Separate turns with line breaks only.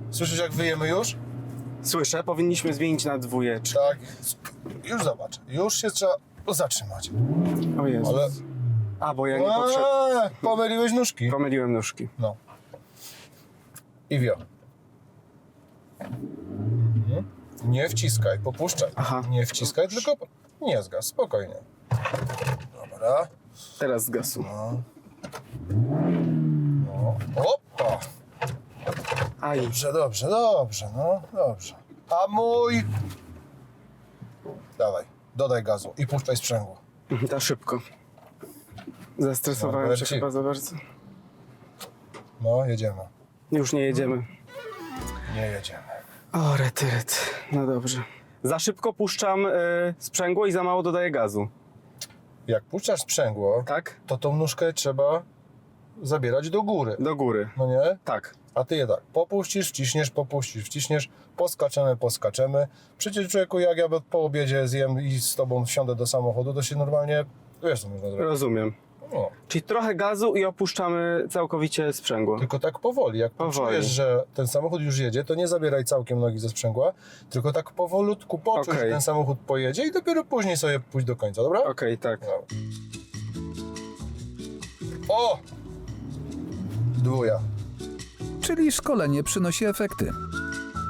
Słyszysz, jak wyjemy już?
Słyszę, powinniśmy zmienić na dwójeczkę.
Tak. Już zobacz. Już się trzeba zatrzymać.
O Jezus.
Ale...
A, bo ja nie potrzebuję.
Pomyliłeś nóżki.
Pomyliłem nóżki.
No. I wio. Nie wciskaj, popuszczaj.
Aha.
Nie wciskaj, tylko nie zgas, spokojnie. Dobra.
Teraz z gasu.
No. Opa!
Aj.
Dobrze, no dobrze. A mój... Dawaj, dodaj gazu i puszczaj sprzęgło.
To szybko. Zestresowałem się
Norbercik.
chyba za bardzo.
No, jedziemy.
Już nie jedziemy.
Nie jedziemy.
O, retyret. No dobrze. Za szybko puszczam sprzęgło i za mało dodaję gazu.
Jak puszczasz sprzęgło,
Tak?
to tą nóżkę trzeba zabierać do góry.
Do góry.
No nie?
Tak.
A ty je tak, popuścisz, wciśniesz, poskaczemy. Przecież człowieku, jak ja po obiedzie zjem i z tobą wsiądę do samochodu, to się normalnie, wiesz co można zrobić.
Rozumiem.
No.
Czyli trochę gazu i opuszczamy całkowicie sprzęgło.
Tylko tak powoli, jak
Powoli.
poczujesz, że ten samochód już jedzie, to nie zabieraj całkiem nogi ze sprzęgła, tylko tak powolutku poczuj,
Okej.
że ten samochód pojedzie i dopiero później sobie pójdź do końca, dobra?
Okej, tak.
Dobra. O! Dwuja.
Czyli szkolenie przynosi efekty.